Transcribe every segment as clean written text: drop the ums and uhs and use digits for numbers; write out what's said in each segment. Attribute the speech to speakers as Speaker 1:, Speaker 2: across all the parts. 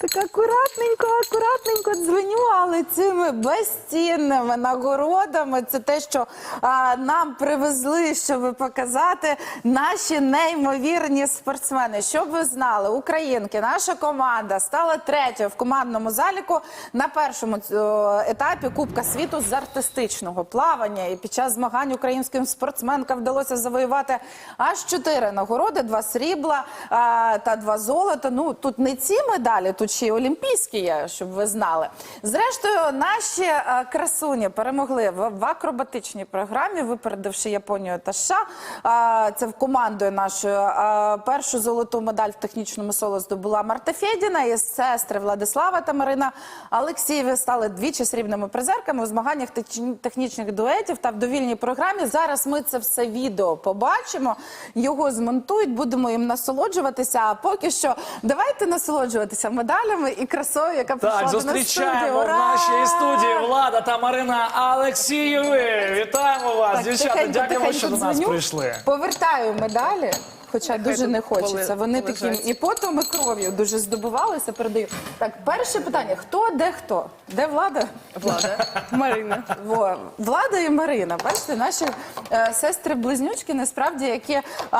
Speaker 1: Так акуратненько дзвоню, але цими безцінними нагородами це те, що нам привезли, щоб показати наші неймовірні спортсмени. Щоб ви знали, українки, наша команда стала третьою в командному заліку на першому етапі Кубка світу з артистичного плавання. І під час змагань українським спортсменкам вдалося завоювати аж 4 нагороди, 2 срібла та 2 золота. Ну, тут не ці медалі, тут ще й олімпійські є, щоб ви знали. Зрештою, наші красуні перемогли в акробатичній програмі, випередивши Японію та США. Це в командою нашою. Першу золоту медаль в технічному соло здобула Марта Фєдіна, і сестри Владислава та Марина Алексієві стали двічі срібними призерками у змаганнях технічних дуетів та в довільній програмі. Зараз ми це все відео побачимо, його змонтують, будемо їм насолоджуватися. А поки що давайте насолоджуватися медалями і красою, яка прийшла до нас в студію.
Speaker 2: Зустрічаємо в нашій студії Влада та Марина Алексієви. Вітаємо вас, дівчата, дякуємо, що до нас прийшли.
Speaker 1: Повертаю медалі. Хоча дуже не хочеться. Вони таким і потом, і кров'ю дуже здобувалися, передаю. Так, перше питання. Хто, де хто? Де Влада?
Speaker 3: Влада. Марина.
Speaker 1: Влада і Марина. Бачите, наші сестри-близнючки, насправді, які,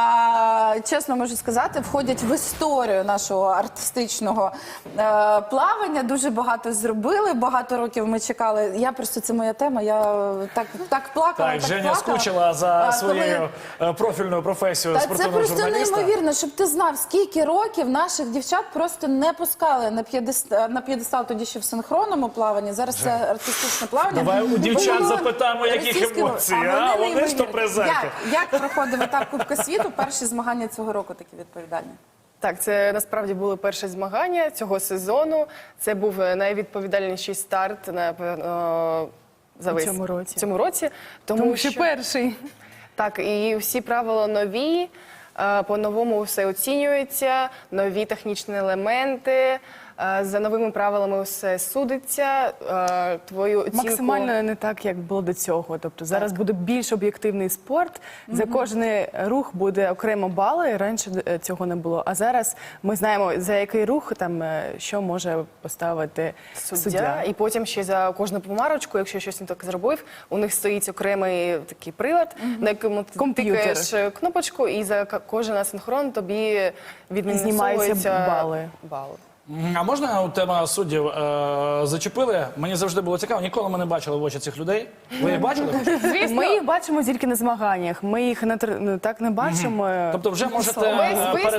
Speaker 1: чесно можу сказати, входять в історію нашого артистичного плавання. Дуже багато зробили, багато років ми чекали. Я просто, це моя тема, я так плакала,
Speaker 2: Так, Женя скучила за своєю профільною професією спортивного журналіста.
Speaker 1: Це неймовірно, щоб ти знав, скільки років наших дівчат просто не пускали на п'єдестал тоді ще в синхронному плаванні. Зараз це артистичне плавання.
Speaker 2: Давай у дівчат запитаємо, яких емоцій, а вони ж то призерки.
Speaker 1: Як проходив етап Кубка світу? Перші змагання цього року такі відповідальні.
Speaker 3: Так, це насправді були перші змагання цього сезону. Це був найвідповідальніший старт, напевно, за весь цьому році. Тому що перший. Так, і всі правила нові. По-новому все оцінюється, нові технічні елементи, за новими правилами все судиться, твою оцінку...
Speaker 4: Максимально не так, як було до цього. Тобто зараз буде більш об'єктивний спорт, за кожний рух буде окремо бали, раніше цього не було. А зараз ми знаємо, за який рух, там, що може поставити суддя.
Speaker 3: І потім ще за кожну помарочку, якщо щось не так зробив, у них стоїть окремий такий прилад, на якому ти тикаєш кнопочку, і за кожен асинхрон тобі віднімаються бали.
Speaker 2: А можна тема суддів зачепили? Мені завжди було цікаво, ніколи ми не бачили в очі цих людей. Ви їх бачили?
Speaker 4: Звісно. Ми їх бачимо тільки на змаганнях, ми їх так не бачимо.
Speaker 2: Тобто вже можете...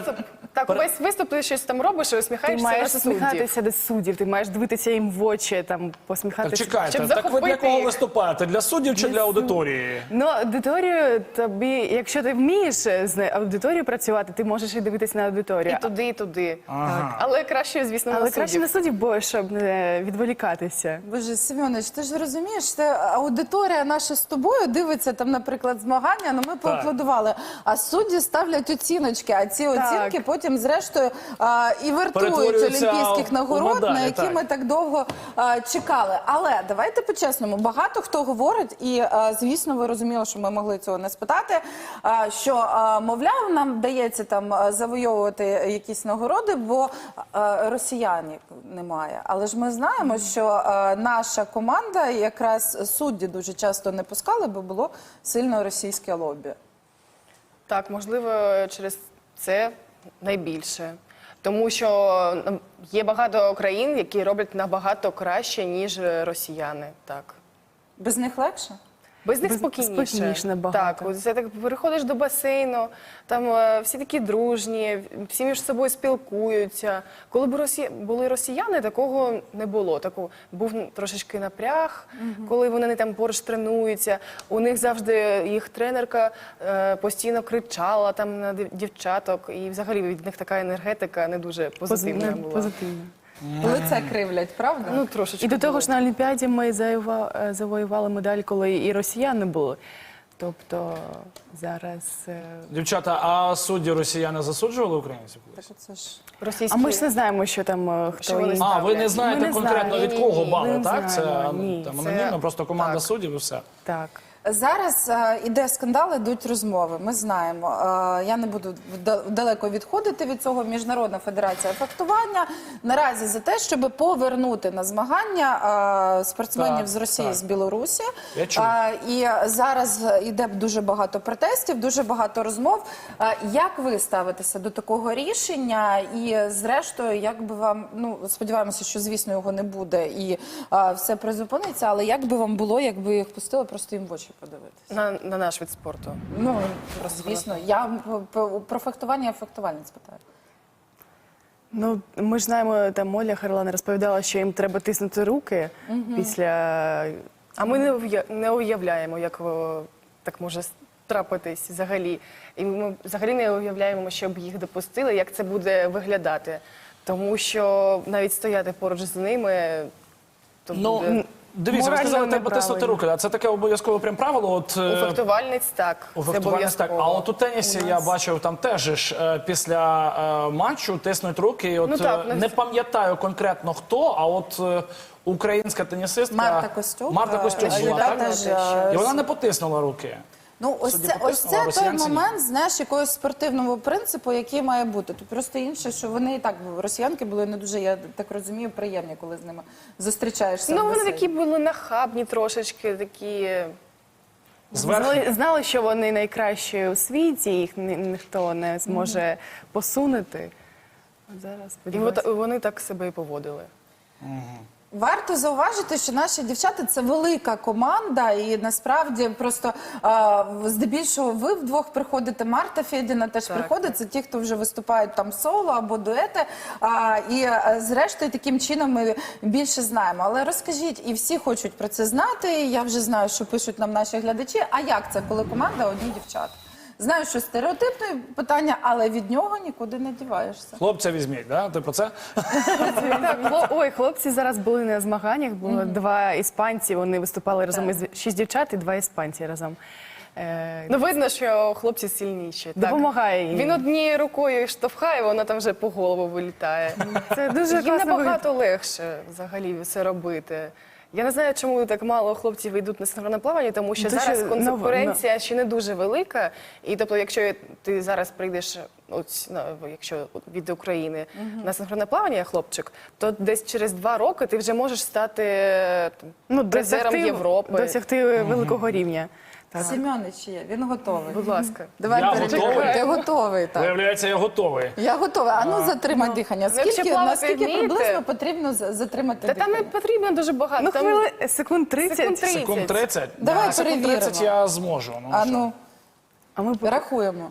Speaker 3: Весь виступ ти щось там робиш і усміхаєшся на суддів.
Speaker 4: Ти маєш усміхатися до суддів, ти маєш дивитися їм в очі, там, посміхатися.
Speaker 2: Так чекайте, так ви для кого виступаєте? Для суддів чи для аудиторії?
Speaker 4: Ну, аудиторію тобі, якщо ти вмієш з аудиторією працювати, ти можеш і дивитися на аудиторію.
Speaker 3: І туди, і туди. Але краще, звісно, на суддів.
Speaker 4: Але краще на суддів, бо щоб не відволікатися.
Speaker 1: Боже, Семенович, ти ж розумієш, це аудиторія наша з тобою дивиться, там, наприклад, змагання, ну ми поаплодували, а судді ставлять оціночки, а ці оцінки потім, зрештою, і вартують олімпійських нагород, на які ми так довго чекали. Але давайте по-чесному, багато хто говорить, і, звісно, ви розуміли, що ми могли цього не спитати, що, мовляв, нам вдається там завойовувати якісь нагороди, бо росіянів немає. Але ж ми знаємо, що наша команда, якраз судді дуже часто не пускали, бо було сильно російське лобі.
Speaker 3: Так, можливо, через це найбільше. Тому що є багато країн, які роблять набагато краще, ніж росіяни. Так.
Speaker 1: Без них легше?
Speaker 3: Без них спокійніше набагато. Так, це так, переходиш до басейну, там всі такі дружні, всі між собою спілкуються. Коли були росіяни, такого не було. Був трошечки напряг, коли вони там поруч тренуються. У них завжди їх тренерка постійно кричала там на дівчаток, і взагалі від них така енергетика не дуже позитивна була.
Speaker 1: Лице кривлять, правда?
Speaker 3: Ну, трошечки.
Speaker 4: І до того ж на Олімпіаді ми завоювали медаль, коли і росіяни були. Тобто зараз...
Speaker 2: Дівчата, а судді росіяни засуджували українців?
Speaker 4: А ми ж не знаємо, що там хто їм...
Speaker 2: А, ви не знаєте конкретно від кого бали, так? Це
Speaker 4: ні.
Speaker 2: анонімно, просто команда суддів і все.
Speaker 4: Так.
Speaker 1: Зараз іде скандал, ідуть розмови. Ми знаємо. Я не буду далеко відходити від цього. Міжнародна федерація фехтування наразі за те, щоб повернути на змагання спортсменів
Speaker 2: Так,
Speaker 1: з Росії,
Speaker 2: так.
Speaker 1: з Білорусі.
Speaker 2: Я чув.
Speaker 1: І зараз іде дуже багато протестів, дуже багато розмов. Як ви ставитеся до такого рішення? І зрештою, як би вам, ну сподіваємося, що звісно його не буде і все призупиниться. Але як би вам було, якби їх пустили просто їм в очі подивитися?
Speaker 3: На наш вид спорту.
Speaker 1: Ну звісно, я про фехтування я фехтувальниць питаю.
Speaker 4: Ну, ми ж знаємо, там Оля Харлан розповідала, що їм треба тиснути руки після...
Speaker 3: А ми не уявляємо, як так може трапитись взагалі. І ми взагалі не уявляємо, щоб їх допустили, як це буде виглядати. Тому що навіть стояти поруч з ними, то буде...
Speaker 2: Дивіться, ви
Speaker 4: Морально
Speaker 2: сказали, треба
Speaker 4: неправильно.
Speaker 2: тиснути руки. А це таке обов'язкове прям правило? От,
Speaker 3: У фехтувальниць так,
Speaker 2: у
Speaker 3: це
Speaker 2: фехтувальниць так.
Speaker 3: обов'язково.
Speaker 2: А от у тенісі я бачив, там теж ж, після матчу тиснуть руки. І от,
Speaker 3: Ну, так,
Speaker 2: не пам'ятаю конкретно хто, а от українська тенісистка
Speaker 1: Марта Костюк.
Speaker 2: Марта Костюк була,
Speaker 1: яка
Speaker 2: так?
Speaker 1: теж,
Speaker 2: І вона не потиснула руки.
Speaker 1: Ну, ось
Speaker 2: Судді
Speaker 1: це
Speaker 2: потиснула,
Speaker 1: той
Speaker 2: росіянці ні.
Speaker 1: момент, знаєш, якогось спортивного принципу, який має бути. Тут просто інше, що вони і так, росіянки були не дуже, я так розумію, приємні, коли з ними зустрічаєшся.
Speaker 3: Ну,
Speaker 1: в
Speaker 3: вони
Speaker 1: басейні.
Speaker 3: такі були нахабні трошечки, такі...
Speaker 2: Зверху.
Speaker 4: Знали, що вони найкращі у світі, їх ніхто не зможе посунути. От зараз,
Speaker 3: І
Speaker 4: сподіваюся.
Speaker 3: вони так себе і поводили.
Speaker 1: Варто зауважити, що наші дівчата – це велика команда, і насправді просто здебільшого ви вдвох приходите, Марта Федіна теж приходить, це ті, хто вже виступають там соло або дуети, і зрештою таким чином ми більше знаємо. Але розкажіть, і всі хочуть про це знати, я вже знаю, що пишуть нам наші глядачі, а як це, коли команда одні дівчата? Знаю, що стереотипне питання, але від нього нікуди не діваєшся.
Speaker 2: Хлопця візьміть, да? Ти про це?
Speaker 4: Ой, хлопці зараз були на змаганнях, було два іспанці, вони виступали разом із 6 дівчат і 2 іспанці разом.
Speaker 3: Ну, видно, що хлопці сильніші. Так.
Speaker 4: Допомагає їм.
Speaker 3: Він однією рукою штовхає, вона там вже по голову вилітає.
Speaker 4: Це дуже
Speaker 3: Їм
Speaker 4: класно
Speaker 3: набагато легше взагалі це робити. Я не знаю, чому так мало хлопців йдуть на синхронне плавання, тому що
Speaker 4: Дуже
Speaker 3: зараз конкуренція ще не дуже велика. І тобто, якщо ти зараз прийдеш, якщо від України на синхронне плавання, хлопчик, то десь через 2 роки ти вже можеш стати призером Європи.
Speaker 4: Досягти великого рівня. Так.
Speaker 1: Семенич є, він готовий.
Speaker 3: Будь ласка.
Speaker 1: Давай
Speaker 2: Я
Speaker 1: перевіримо.
Speaker 2: готовий?
Speaker 1: Ти готовий, так.
Speaker 2: Виявляється, я готовий.
Speaker 1: Я готова. А ну затримай дихання.
Speaker 3: якщо плавати
Speaker 1: Наскільки
Speaker 3: вмієте?
Speaker 1: приблизно потрібно затримати
Speaker 3: Та там
Speaker 1: дихання?
Speaker 3: не потрібно дуже багато.
Speaker 4: Ну,
Speaker 3: Там
Speaker 4: секунд 30.
Speaker 3: секунд 30.
Speaker 2: Секунд 30?
Speaker 1: Давай
Speaker 2: секунд
Speaker 1: перевіримо.
Speaker 2: 30 я зможу. Ну,
Speaker 1: А
Speaker 2: що?
Speaker 1: ну,
Speaker 4: А ми
Speaker 1: рахуємо.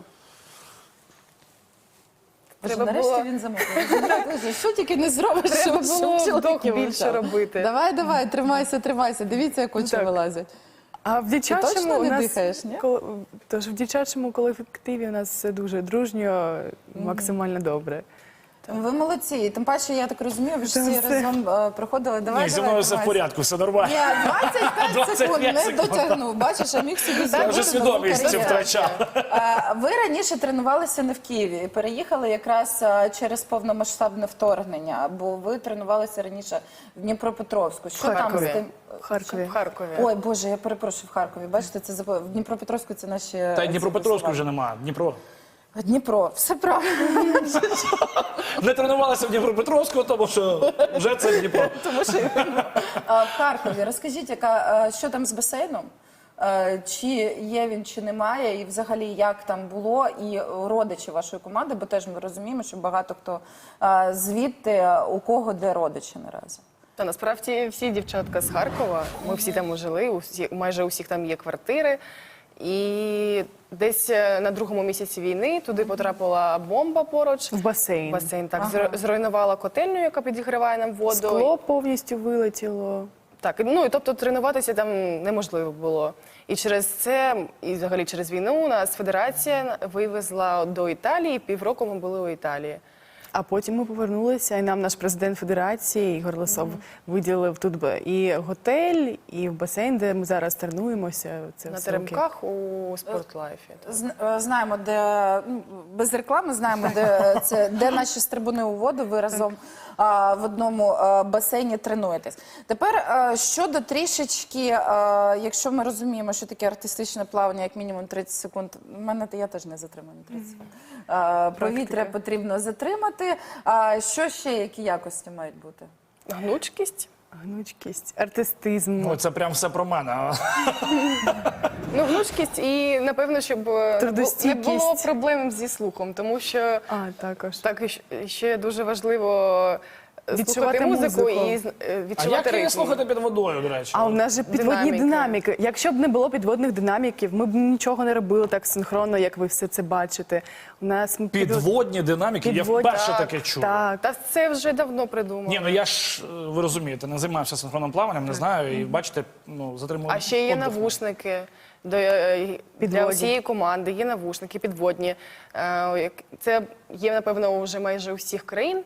Speaker 1: Боже,
Speaker 3: Треба
Speaker 1: нарешті
Speaker 3: було-
Speaker 1: він замовив. Що тільки не зробиш,
Speaker 3: Треба
Speaker 1: щоб
Speaker 3: було
Speaker 1: чоловіки
Speaker 3: вдох більше
Speaker 1: мовчали.
Speaker 3: робити.
Speaker 1: Давай, тримайся. Дивіться, як очі
Speaker 4: Так.
Speaker 1: вилазять.
Speaker 4: А в дівчачому
Speaker 1: точно
Speaker 4: у
Speaker 1: не
Speaker 4: нас
Speaker 1: дихаєш, ні?
Speaker 4: Тож в дівчачому колективі у нас все дуже дружньо, максимально добре.
Speaker 1: Ви молодці. І тим паче, я так розумію, ви ж всі разом проходили. Давай,
Speaker 2: Ні, зі мною все в
Speaker 1: тримайся.
Speaker 2: порядку, все нормально.
Speaker 1: Ні, 25 секунд
Speaker 2: 25
Speaker 1: не
Speaker 2: секунд.
Speaker 1: дотягнув. Бачиш, а міг собі
Speaker 2: Я
Speaker 1: зробити
Speaker 2: вже
Speaker 1: нову
Speaker 2: свідомість
Speaker 1: кар'єру.
Speaker 2: втрачав.
Speaker 1: Ви раніше тренувалися не в Києві, переїхали якраз через повномасштабне вторгнення, бо ви тренувалися раніше в Дніпропетровську. Що там з
Speaker 3: Харкові.
Speaker 1: тим?
Speaker 4: В Харкові.
Speaker 3: В Харкові.
Speaker 1: Ой, Боже, я перепрошую, в Харкові. Бачите, це в Дніпропетровську це наші...
Speaker 2: Та й Дніпропетровську вже немає.
Speaker 1: Дніпро, все правильно.
Speaker 2: Не тренувалися в Дніпропетровську, тому що вже це Дніпро.
Speaker 1: В Харкові. Розкажіть, що там з басейном? Чи є він, чи немає, і взагалі як там було, і родичі вашої команди, бо теж ми розуміємо, що багато хто звідти, у кого де родичі наразі.
Speaker 3: Та насправді всі дівчатка з Харкова, ми всі там жили, майже у всіх там є квартири. І десь на 2-му місяці війни туди потрапила бомба поруч.
Speaker 4: В басейн.
Speaker 3: Басейн так зруйнувала котельню, яка підігріває нам воду.
Speaker 4: Скло повністю вилетіло.
Speaker 3: Так, ну і тобто тренуватися там неможливо було. І через це, і взагалі через війну, нас федерація вивезла до Італії. 1,5 року ми були у Італії.
Speaker 4: А потім ми повернулися, і нам наш президент Федерації Ігор Лисов виділив тут і готель, і басейн, де ми зараз тренуємося. Це
Speaker 3: На
Speaker 4: високий.
Speaker 3: теремках у спортлайфі.
Speaker 1: Знаємо, де без реклами знаємо, де це де наші стрибуни у воду. Ви разом в одному басейні тренуєтесь. Тепер щодо трішечки, якщо ми розуміємо, що таке артистичне плавання, як мінімум 30 секунд. Я теж не затримаю на 30 секунд. Повітря потрібно затримати. Що ще, які якості мають бути?
Speaker 3: Гнучкість.
Speaker 4: Гнучкість, артистизм.
Speaker 2: Ну, це прям все про мене.
Speaker 3: Ну, гнучкість і, напевно, щоб не
Speaker 4: Трудостійкість.
Speaker 3: було проблем зі слухом, тому що
Speaker 4: Також.
Speaker 3: так і ще дуже важливо
Speaker 4: Відчувати
Speaker 3: слухати музику
Speaker 4: музику.
Speaker 3: і
Speaker 2: А
Speaker 3: відчувати
Speaker 2: як її
Speaker 3: ритм.
Speaker 2: слухати під водою, до речі?
Speaker 4: А у нас же підводні динаміки. Якщо б не було підводних динаміків, ми б нічого не робили так синхронно, як ви все це бачите. У нас
Speaker 2: Підводні динаміки? Я
Speaker 4: Підводні.
Speaker 2: вперше
Speaker 3: Так,
Speaker 2: таке чую.
Speaker 4: Так.
Speaker 3: Та це вже давно придумали.
Speaker 2: Ні, ну я ж, ви розумієте, не займався синхронним плаванням, не знаю, і бачите, затримую.
Speaker 3: А ще є
Speaker 2: подих.
Speaker 3: навушники для
Speaker 4: Підводні.
Speaker 3: усієї команди, є навушники підводні. Це є, напевно, вже майже у всіх країн.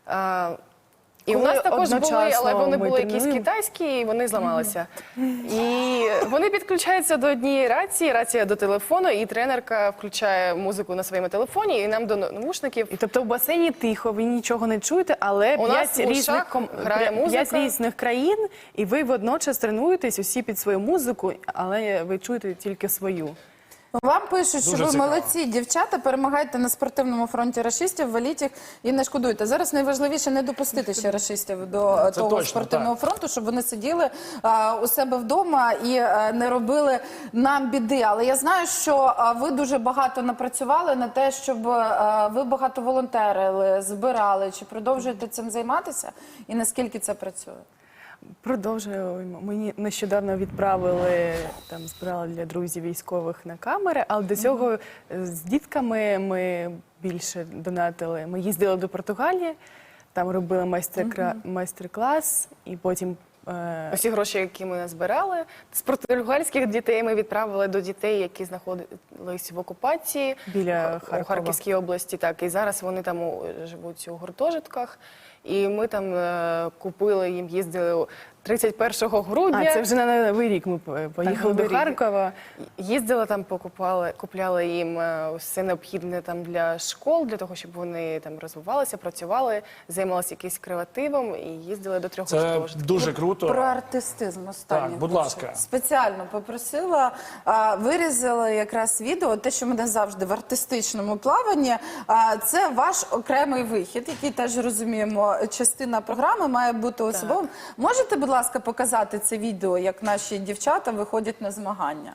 Speaker 3: І у
Speaker 4: Коли
Speaker 3: нас також були,
Speaker 4: одночасно
Speaker 3: але вони
Speaker 4: ми
Speaker 3: були якісь
Speaker 4: тренуємо.
Speaker 3: китайські, і вони зламалися. І вони підключаються до однієї рації, рація до телефону, і тренерка включає музику на своєму телефоні, і нам до навушників.
Speaker 4: І тобто в басейні тихо, ви нічого не чуєте, але
Speaker 3: У нас в ушах грає музика.
Speaker 4: 5 різних країн, і ви водночас тренуєтесь усі під свою музику, але ви чуєте тільки свою.
Speaker 1: Вам пишуть, що
Speaker 2: Дуже
Speaker 1: ви
Speaker 2: цікаво.
Speaker 1: молодці, дівчата, перемагаєте на спортивному фронті рашистів, валіть їх і не шкодуйте. Зараз найважливіше не допустити ще рашистів до того
Speaker 2: точно,
Speaker 1: спортивного фронту, щоб вони сиділи у себе вдома і не робили нам біди. Але я знаю, що ви дуже багато напрацювали на те, щоб ви багато волонтерили, збирали. Чи продовжуєте цим займатися? І наскільки це працює?
Speaker 4: Продовжуємо. Мені нещодавно відправили, збирали для друзів військових на камери, але до цього з дітками ми більше донатили. Ми їздили до Португалії, там робили майстер-клас, і потім
Speaker 3: Усі гроші, які ми назбирали, з португальських дітей ми відправили до дітей, які знаходились в окупації
Speaker 4: Біля
Speaker 3: у
Speaker 4: Харкова.
Speaker 3: Харківській області. Так, і зараз вони там живуть у гуртожитках. І ми там купили їм, їздили 31 грудня.
Speaker 4: це вже на Новий рік ми поїхали до
Speaker 3: Новий рік.
Speaker 4: Харкова.
Speaker 3: Їздили там, купляли їм все необхідне там для школ, для того, щоб вони там розвивалися, працювали, займалися якимось креативом і їздили до 3
Speaker 2: Це
Speaker 3: гуртожитків.
Speaker 2: дуже круто.
Speaker 1: Про артистизм останнє.
Speaker 2: Так, будь ласка.
Speaker 1: Спеціально попросила, вирізала якраз відео, те, що мене завжди в артистичному плаванні. Це ваш окремий вихід, який теж розуміємо, частина програми має бути особовим. Можете, будь ласка, показати це відео, як наші дівчата виходять на змагання?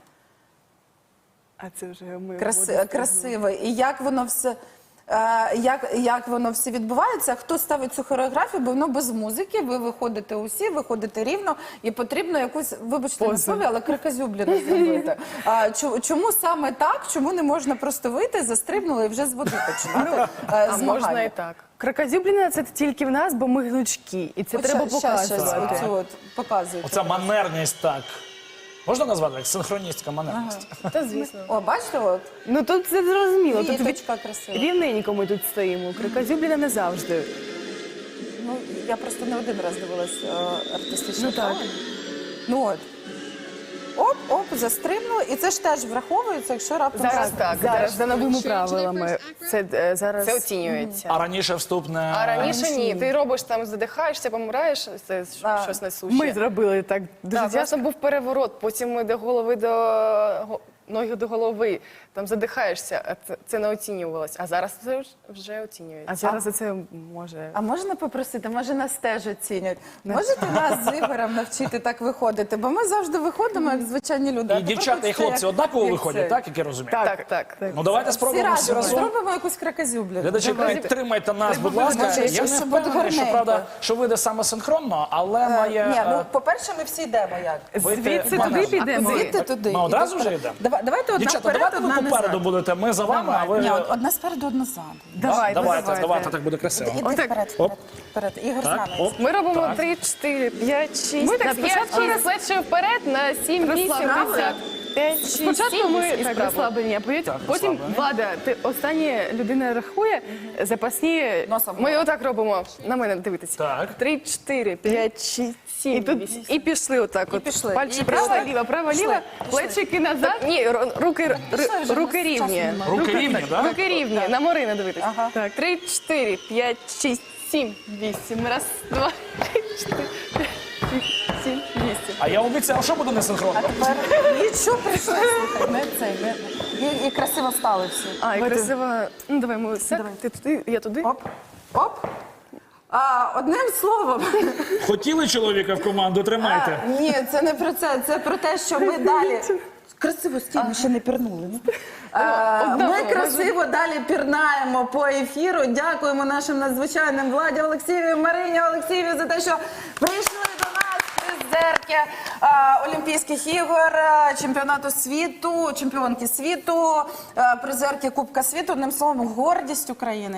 Speaker 4: А це вже ми
Speaker 1: Красиво. І як воно все... Як воно все відбувається, хто ставить цю хореографію, бо воно без музики, ви виходите усі, виходите рівно, і потрібно якусь, вибачте на слові, але крикозюбліну зробити. Чому саме так? Чому не можна просто вийти, застрибнули і вже з води починати
Speaker 3: А можна
Speaker 1: змагання?
Speaker 3: і так.
Speaker 4: Кракозюбліна – це тільки в нас, бо ми гнучкі, і це
Speaker 1: От
Speaker 4: треба
Speaker 1: щас
Speaker 4: показувати.
Speaker 1: оцю от показуйте.
Speaker 2: Оця манерність, так. Можна назвати як синхроністська манерність?
Speaker 3: Та звісно.
Speaker 1: О, бачите, от,
Speaker 4: Ну тут це зрозуміло, тут
Speaker 1: квіточка красива.
Speaker 4: рівненько ми тут стоїмо. Кракозюбліна не завжди.
Speaker 1: Ну, я просто не один раз дивилась артистичне
Speaker 4: Ну, так.
Speaker 1: плавання. Ну от. Оп, застрибнули. І це ж теж враховується, якщо раптом...
Speaker 3: Зараз так.
Speaker 4: Зараз за новими правилами. Це зараз
Speaker 3: Це оцінюється.
Speaker 2: А раніше вступне...
Speaker 3: А раніше ні. Ти робиш там, задихаєшся, помираєш, це щось несуще.
Speaker 4: ми зробили так дуже
Speaker 3: Так,
Speaker 4: тяжко.
Speaker 3: власне, був переворот, потім ми до голови ноги до голови, там задихаєшся, а це не оцінювалось. А зараз це вже оцінюється.
Speaker 4: А зараз це може.
Speaker 1: А можна попросити, може нас теж оцінять? Можете нас з Ігорем навчити так виходити? Бо ми завжди виходимо, як звичайні люди. А
Speaker 2: І
Speaker 1: тепер
Speaker 2: дівчата, і
Speaker 1: хочеться,
Speaker 2: хлопці
Speaker 1: як-
Speaker 2: однаково
Speaker 1: як
Speaker 2: виходять,
Speaker 1: це.
Speaker 2: так, як я розумію?
Speaker 3: Так.
Speaker 2: Ну давайте
Speaker 1: Всі
Speaker 2: спробуємо всі
Speaker 1: разом
Speaker 2: разом.
Speaker 1: зробимо якусь кракозюблю.
Speaker 2: Глядачі, підтримайте нас, будь ласка.
Speaker 1: Може,
Speaker 2: Я
Speaker 1: щоб
Speaker 2: не
Speaker 1: буде
Speaker 2: впевнений, що,
Speaker 1: гарненько.
Speaker 2: правда, що вийде саме синхронно, але має...
Speaker 1: Ні, ну, по-перше, ми всі йдемо як?
Speaker 4: Звідси
Speaker 2: манежем.
Speaker 4: туди підемо.
Speaker 1: Звідти туди.
Speaker 2: Ми
Speaker 1: і
Speaker 2: одразу
Speaker 1: вперед.
Speaker 2: вже йдемо?
Speaker 1: Давайте одна
Speaker 2: Дівчата,
Speaker 1: вперед,
Speaker 2: давайте ви
Speaker 1: одна
Speaker 2: попереду
Speaker 1: назад.
Speaker 2: будете, ми за вами, а ви...
Speaker 1: Ні, одна спереду, одна ззаду.
Speaker 2: Давайте, так буде красиво.
Speaker 1: Іди вперед, вперед. Ігор з
Speaker 2: Так,
Speaker 1: нами.
Speaker 2: оп.
Speaker 3: Ми робимо
Speaker 2: Так.
Speaker 3: 3, 4, 5, 6,
Speaker 4: Ми так
Speaker 3: на 5,
Speaker 4: спочатку
Speaker 3: 6, плече вперед, на 7, 8, 10.
Speaker 4: Спочатку ми так розслаблені, а потім
Speaker 2: розслаблені.
Speaker 4: Влада, ти остання людина рахує, запасні
Speaker 1: Носом.
Speaker 3: Ми отак робимо. На мене дивитися.
Speaker 2: Так.
Speaker 3: 3, 4, 5, 6, 7,
Speaker 4: І тут
Speaker 3: 8. І пішли отак. От.
Speaker 1: пішли.
Speaker 3: Пальчики
Speaker 1: І
Speaker 3: права,
Speaker 1: пішли.
Speaker 3: права, ліва.
Speaker 4: плечики назад.
Speaker 3: Ні, руки
Speaker 1: вже,
Speaker 3: руки
Speaker 1: у нас
Speaker 3: рівні.
Speaker 1: часу немає.
Speaker 2: Руки рівні, так?
Speaker 3: Руки рівні. На Марину дивитися.
Speaker 1: Ага.
Speaker 3: Так, 3, 4, 5, 6, 7, 8. Раз, два, 3, 4, 5, 6, 7, 8.
Speaker 2: А я обіцяв, що буде несинхронно.
Speaker 1: Тепер нічого прийшли, слухай, ми цей, і красиво стали всі.
Speaker 3: А, і красиво. Ну, давай, ми ось так. Ти туди, я туди.
Speaker 1: Оп, оп. Одним словом,
Speaker 2: Хотіли чоловіка в команду, тримайте.
Speaker 1: ні, це не про це, це про те, що ми далі. Красиво стій, ми ще не пірнули. Ми красиво далі пірнаємо по ефіру. Дякуємо нашим надзвичайним Владі Олексієві, Марині Олексієві за те, що прийшли до нас призерки Олімпійських ігор, чемпіонату світу, чемпіонки світу, призерки Кубка світу. Одним словом, гордість України.